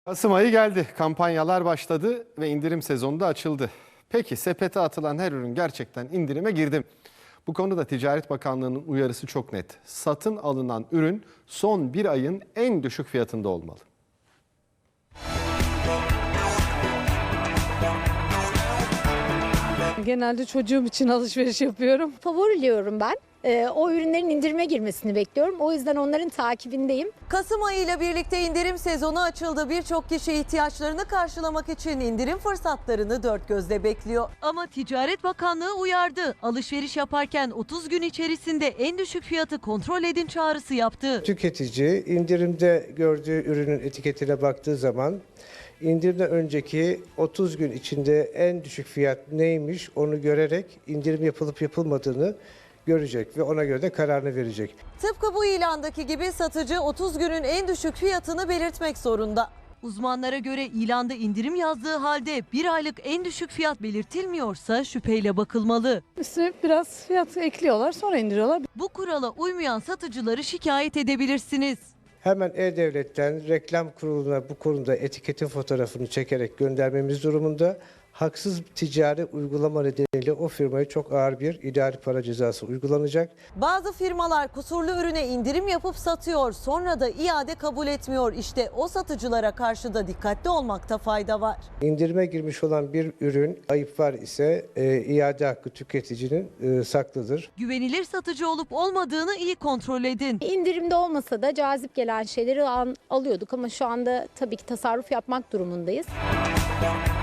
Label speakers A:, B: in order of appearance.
A: Kasım ayı geldi, kampanyalar başladı ve indirim sezonu da açıldı. Peki sepete atılan her ürün gerçekten indirime girdi mi? Bu konuda Ticaret Bakanlığı'nın uyarısı çok net. Satın alınan ürün son bir ayın en düşük fiyatında olmalı.
B: Genelde çocuğum için alışveriş yapıyorum.
C: Favoriliyorum ben. O ürünlerin indirime girmesini bekliyorum. O yüzden onların takibindeyim.
D: Kasım ayıyla birlikte indirim sezonu açıldı. Birçok kişi ihtiyaçlarını karşılamak için indirim fırsatlarını dört gözle bekliyor. Ama Ticaret Bakanlığı uyardı. Alışveriş yaparken 30 gün içerisinde en düşük fiyatı kontrol edin çağrısı yaptı.
E: Tüketici indirimde gördüğü ürünün etiketine baktığı zaman indirimden önceki 30 gün içinde en düşük fiyat neymiş onu görerek indirim yapılıp yapılmadığını görecek ve ona göre de kararını verecek.
D: Tıpkı bu ilandaki gibi satıcı 30 günün en düşük fiyatını belirtmek zorunda. Uzmanlara göre ilanda indirim yazdığı halde bir aylık en düşük fiyat belirtilmiyorsa şüpheyle bakılmalı.
B: Üstüne biraz fiyat ekliyorlar, sonra indiriyorlar.
D: Bu kurala uymayan satıcıları şikayet edebilirsiniz.
E: Hemen E-Devlet'ten reklam kuruluna bu konuda etiketin fotoğrafını çekerek göndermemiz durumunda. Haksız ticari uygulama nedeniyle o firmaya çok ağır bir idari para cezası uygulanacak.
D: Bazı firmalar kusurlu ürüne indirim yapıp satıyor, sonra da iade kabul etmiyor. İşte o satıcılara karşı da dikkatli olmakta fayda var.
E: İndirime girmiş olan bir ürün ayıp var ise iade hakkı tüketicinin saklıdır.
D: Güvenilir satıcı olup olmadığını iyi kontrol edin.
C: İndirimde olmasa da cazip gelen şeyleri alıyorduk ama şu anda tabii ki tasarruf yapmak durumundayız.